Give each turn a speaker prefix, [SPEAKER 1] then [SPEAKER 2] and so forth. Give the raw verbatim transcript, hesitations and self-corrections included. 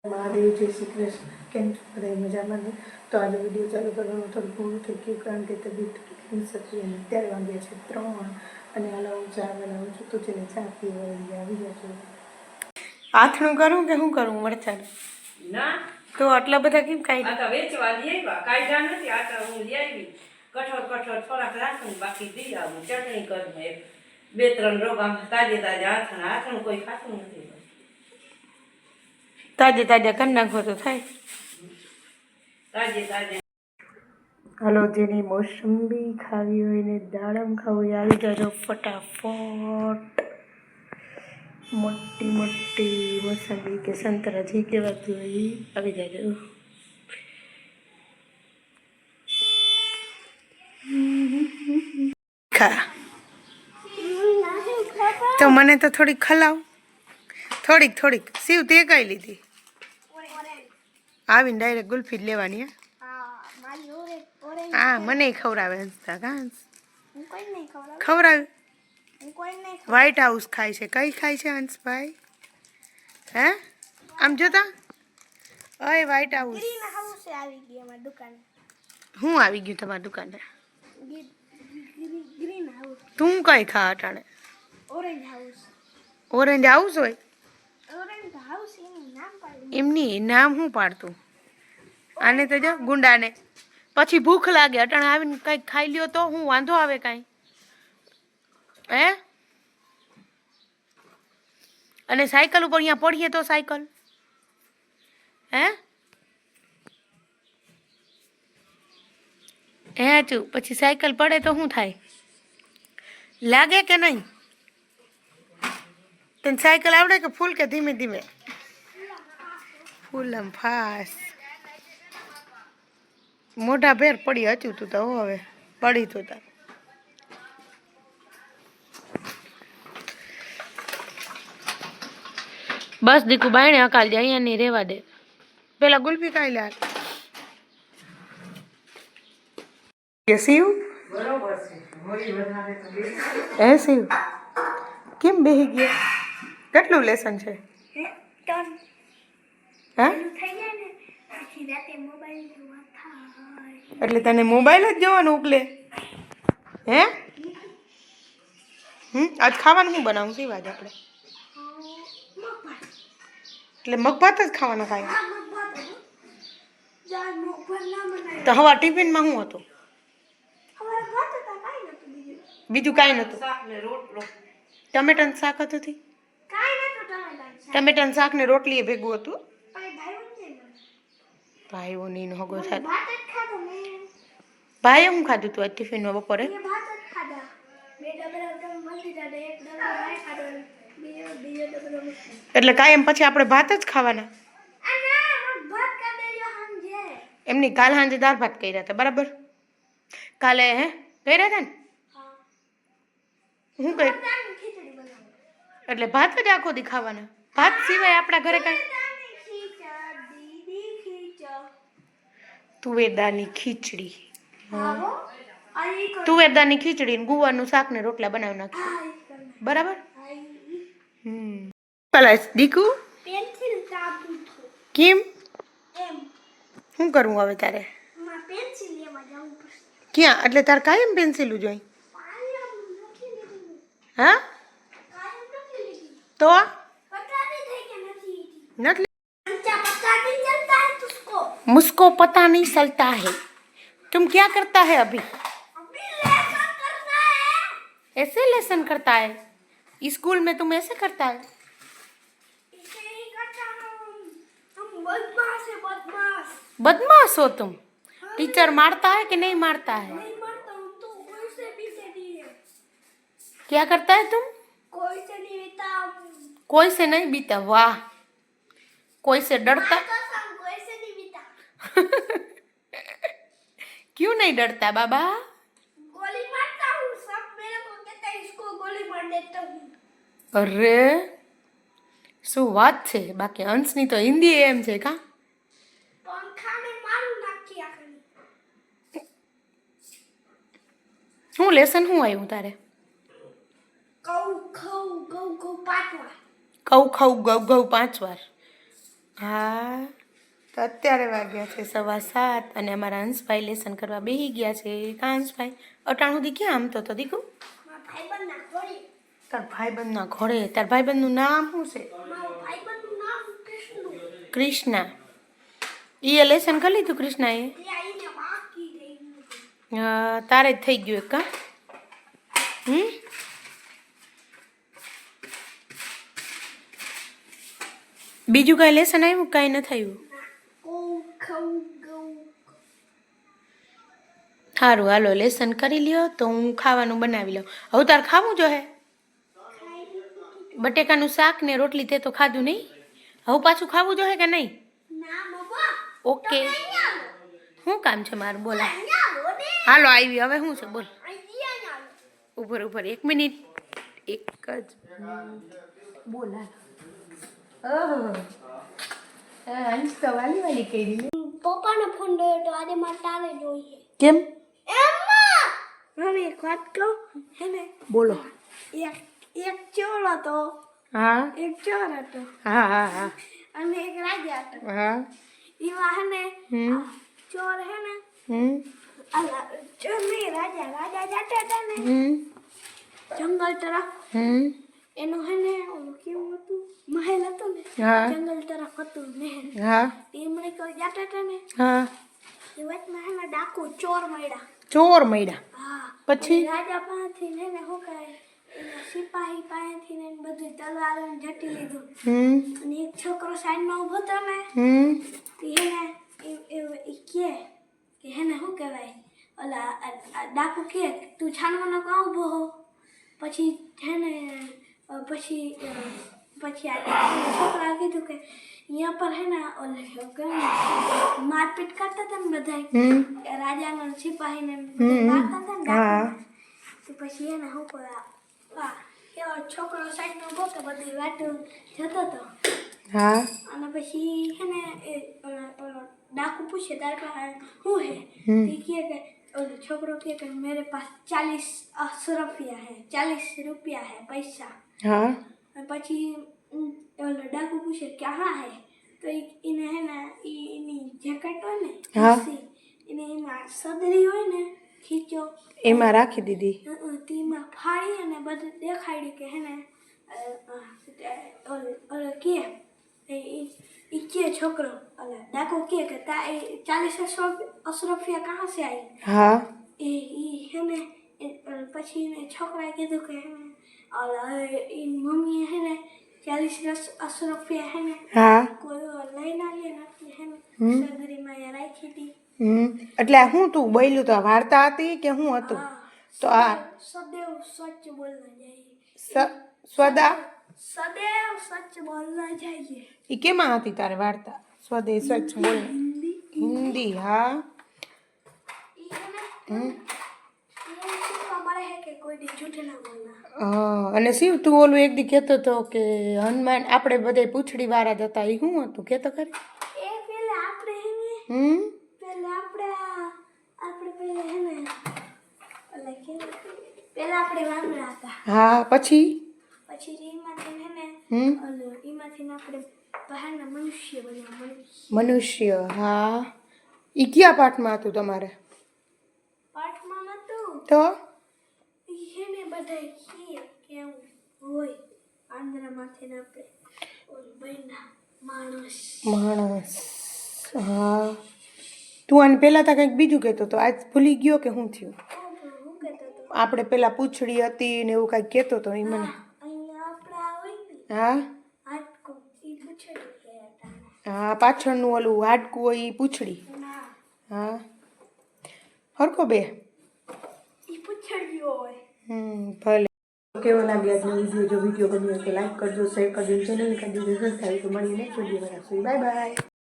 [SPEAKER 1] મહાદેવ જય શ્રી કૃષ્ણ. કેમ છો બધા મજામાં ને? તો આજે વિડીયો ચાલુ કરવાનું થોડું પૂરું થઈ ગયું કારણ કે તબિયત થોડી હતી અને અત્યારે વાગ્યા છે ત્રણ અને હાલ હું ચા બનાવું છું તો છે ચા પીવા આવી ગયા છું. આથણું કરું કે શું કરું મરચાં ના તો આટલા બધા કેમ કાઢી આ તો વેચવા લઈ આવ્યા કાઢ્યા નથી આ તો હું લઈ આવી કઠોળ કઠોળ થોડાક રાખું બાકી દઈ આવું ચટણી કરું બે ત્રણ રોગ આમ તાજે તાજે આથણ આથણ કોઈ ખાતું નથી તાજે તાજા કરી નાખો તો થાય તાજે તાજે. હાલો જેની મોસંબી ખાવી હોય ને દાડમ ખાવું હોય આવી જાજો ફટાફટ. મોટી મોટી મોસંબી કે સંતરા જે કહેવાતું હોય આવી જાજો. ખા તો મને તો થોડીક ખલાવ થોડીક થોડીક શિવ તે કઈ લીધી આવીને ડાયરેક્ટ ગુલ્ફી જ લેવાની. હા મને ખવડાવે હંસતા ઘાસ ખવડાવે. વ્હાઈટ હાઉસ ખાય છે. કઈ ખાય છે હંસભાઈ? હે આમ જોતા અય વ્હાઈટ હાઉસ હું આવી ગયું તમારી દુકાને. તું કઈ ખા અટાણે? ઓરેન્જ હાઉસ હોય એમની નામ શું પાડતું? આને તો જો ગુંડાને પછી ભૂખ લાગે અટાણે આવીને કંઈક ખાઈ લ્યો તો હું વાંધો આવે કાંઈ? હે અને સાયકલ ઉપર અહીંયા પડીએ તો સાયકલ હે હે ચું પછી સાયકલ પડે તો શું થાય? લાગે કે નહીં? તને સાયકલ આવડે કે ફૂલ કે ધીમે ધીમે? ફૂલ આમ ફાસ મોઢા ભેર પડી હચું તું તો હવે પડી તું તાર. બસ દીકુ બાયણે અકાલ જાય અહીંયા નહીં રેવા દે. પેલા ગુલ્ફી ખાઈ લે. શિવ હે શિવ કેમ બેહી ગયા? કેટલું લેસન છે? હા એટલે તને મોબાઈલ જ જોવાનું ઉકલે હે? હમ આજ ખાવાનું શું બનાવું શિવ? આજ આપણે એટલે મગભાત જ ખાવાના ખાય તો હવા ટિફિનમાં શું હતું? બીજું કાંઈ નતું? ટમેટાનું શાક હતું? ટમેટાનું શાક ને રોટલી એ ભેગું હતું. ભાઈઓ ની હગો થાય. ભાઈએ શું ખાધું તું આજ ટિફિનમાં બપોરે? એટલે કાયમ પછી આપણે ભાત જ ખાવાના? એમની કાલ સાંજે દાળ ભાત કર્યા હતા બરાબર? કાલે હે કર્યા હતા ને? શું કર્યું? એટલે ભાત જ આખો દી ખાવાના? ભાત સિવાય આપણા ઘરે કાંઈ? તુવેરદાળની ખીચડી. તુવેરદાળની ખીચડી ને ગુવારનું શાક ને રોટલા બનાવી નાખ્યું બરાબર? હમ પેલા દીકુ કેમ શું કરવું હવે તારે? ક્યાં? એટલે તારે કાયમ પેન્સિલું જોઈ? હા તો નથી मुझको पता नहीं चलता है. तुम क्या करता है अभी? ऐसे लेसन करता है? स्कूल में तुम ऐसे करता है? बदमाश हो तुम? टीचर मारता है कि नहीं मारता है? क्या करता है तुम? कोई से नहीं बीता. कोई से नहीं बीता? वाह. कोई से डरता? क्यों नहीं डरता बाबा? गोली मारता हूँ. सब मेरे को कहता है इसको गोली मार देता हूँ. अरे શું વાત છે? બાકી હંસની તો હિન્દી એમ છે કા? પંખાને મારું નાખી આખી. શું લેસન શું આવ્યું તારે? કઉ ખઉ ગઉ ગઉ પાંચ વાર. કઉ ખઉ ગઉ ગઉ પાંચ વાર. હા તો અત્યારે વાગ્યા છે સવા સાત અને અમારા હંસભાઈ લેસન કરવા બેસી ગયા છે. કા હંસભાઈ અટાણ સુધી ક્યાં આમ તો દીકુ તાર ભાઈબંધના ઘોડે. તાર ભાઈબંધનું નામ શું છે? કૃષ્ણા. એ લેસન કરી લીધું કૃષ્ણા એ? હા તારે જ થઈ ગયું એક કા. હમ બીજું કાંઈ લેસન આવ્યું કાંઈ નથી આવ્યું? સારું હાલો લેસન કરી લ્યો તો હું ખાવાનું બનાવી લઉં. હવે તારે ખાવું જો હે બટેકાનું શાક ને રોટલી તે તો ખાધું નહીં. હવે પાછું ખાવું જો હે કે નહીં? ઓકે શું કામ છે મારું બોલા? હાલો આવી હવે શું છે બોલ. ઉપર ઉપર એક મિનિટ એક જ બોલા. અંશ તો વાલી વાલી કરી
[SPEAKER 2] પપ્પાનો ફોન જોયો તો આજે મારે તારે જોઈએ.
[SPEAKER 1] કેમ?
[SPEAKER 2] હવે એક વાત કહું હે ને
[SPEAKER 1] બોલો.
[SPEAKER 2] એક એક ચોર હતો.
[SPEAKER 1] હા
[SPEAKER 2] એક ચોર હતો
[SPEAKER 1] હા હા હા
[SPEAKER 2] અને એક રાજા હતો.
[SPEAKER 1] હા
[SPEAKER 2] એમાં હે ને
[SPEAKER 1] હમ
[SPEAKER 2] ચોર હે ને
[SPEAKER 1] હમ
[SPEAKER 2] અલા ચોર નહીં રાજા રાજા જતા હતા ને
[SPEAKER 1] હમ
[SPEAKER 2] જંગલ તરફ.
[SPEAKER 1] હમ
[SPEAKER 2] એનું હે ને ઓલું કેવું હતું મહેલ હતો ને
[SPEAKER 1] હા
[SPEAKER 2] જંગલ તરફ હતું મહેલ.
[SPEAKER 1] હા
[SPEAKER 2] એમણે કોઈ જતા હતા ને
[SPEAKER 1] હા
[SPEAKER 2] એ વચમાં હે ને ડાકુ ચોર મળ્યા.
[SPEAKER 1] ચોર મળ્યા
[SPEAKER 2] હા
[SPEAKER 1] પછી
[SPEAKER 2] રાજા પાસેથી ને ને શું કહે એના સિપાહી પાસેથી ને બધું તલવાર જટી લીધું.
[SPEAKER 1] હમ
[SPEAKER 2] અને એક છોકરો સાઈડમાં ઊભો હતો ને
[SPEAKER 1] હમ
[SPEAKER 2] તે હેને એ એ કહે કે હેને શું કહેવાય ઓલા ડાકુ કહે તું છાનવાનો કાં ઊભો હો. પછી હેને પછી પછી આ છોકરા કીધું કે અહીંયા પર હે ને ઓલે મારપીટ કરતા હતા ને બધા રાજાના સિપાહીને મારતા હતા ને તો પછી એને શું કર્યા એવો છોકરો સાઈડમાં ઊભો તો બધી વાતો જતો હતો.
[SPEAKER 1] હા
[SPEAKER 2] અને પછી હે ને એ ઓલો ડાકુ પૂછે તારે પાસે શું હે? તે કહે કે ઓલો છોકરો કહે કે મેરે પાસ ચાલીસ રૂપિયા હે ચાલીસ રૂપિયા હે પૈસા.
[SPEAKER 1] હા
[SPEAKER 2] પછી ઓલો ડાકુ પૂછે ક્યાં હે તો એને હે ને એની જેકેટ હોય ને એને એમાં સદરી હોય ને ખીચો
[SPEAKER 1] એમાં રાખી દીધી.
[SPEAKER 2] તેમાં ફાડી અને બધું દેખાડ્યું કે હે ને ઓલો કે એ કે છોકરો ઓલા ડાકુ કે કે તા એ ચાલીસ અશરફિયા કહા સે આવી?
[SPEAKER 1] હા
[SPEAKER 2] એ ઈ હે ને પછી એને છોકરાએ કીધું કે હે ને ઓલા એ મમ્મીએ હે ને ચાલીસ અશરફિયા હે ને
[SPEAKER 1] હા
[SPEAKER 2] કોઈ લઈને આવીએ ને એટલે હે ને સદરીમાં એ રાખી હતી.
[SPEAKER 1] હમ એટલે શું તું બોલ્યું તો વાર્તા હતી કે શું હતું? તો આ
[SPEAKER 2] સदैव सच बोलना चाहिए.
[SPEAKER 1] સ્વદા
[SPEAKER 2] सदैव सच बोलना चाहिए.
[SPEAKER 1] એ કેમાં હતી તારે વાર્તા? સ્વદે સચ બોલ હિન્દી. હા અને શિવ તું ઓલું એક દી કહેતો હતો કે હનુમાન આપણે બધે પૂંછડી વાળા જ હતા. એ શું હતું કહેતો ખરી?
[SPEAKER 2] એ પેલા આપણે હે ને
[SPEAKER 1] હમ
[SPEAKER 2] પેલા આપણે આપણે પેલા હે ને ઓલા કે પેલા આપણે વાંદરા હતા.
[SPEAKER 1] હા પછી
[SPEAKER 2] પછી એમાંથી હે ને
[SPEAKER 1] હમ
[SPEAKER 2] ઓલો એમાંથી આપણે બહારના મનુષ્ય બન્યા.
[SPEAKER 1] મનુષ્ય. હા એ કયા પાઠમાં હતું તમારે?
[SPEAKER 2] પાઠમાં નતું
[SPEAKER 1] તો
[SPEAKER 2] હે ને બધા કે કેવું હોય આંધ્રામાંથી ને આપણે ઓલ બન્યા માણસ
[SPEAKER 1] માણસ. હા તું આને પહેલાં તો કંઈક બીજું કહેતો હતો આજ ભૂલી ગયો કે શું થયું?
[SPEAKER 2] હું કહેતો હતો
[SPEAKER 1] આપણે પેલા પૂંછડી હતી ને એવું કાંઈક કહેતો હતો એ મને.
[SPEAKER 2] અહીંયા આપણા હોય ને
[SPEAKER 1] હા
[SPEAKER 2] હાડકું એ પૂછડી કહેતા.
[SPEAKER 1] હા પાછળનું ઓલું હાડકું હોય એ પૂંછડી.
[SPEAKER 2] ના
[SPEAKER 1] હા હરખો બે
[SPEAKER 2] એ પૂછડીઓ હોય.
[SPEAKER 1] હમ ભલે. કેવો લાગે આજનો વિડીયો? જો વિડીયો ગમ્યો તો લાઈક કરજો, શેર કરજો, ચેનલ કરી દેજો, સબસ્ક્રાઈબ. તો મળીને વિડીયો બનાવશું. Bye by.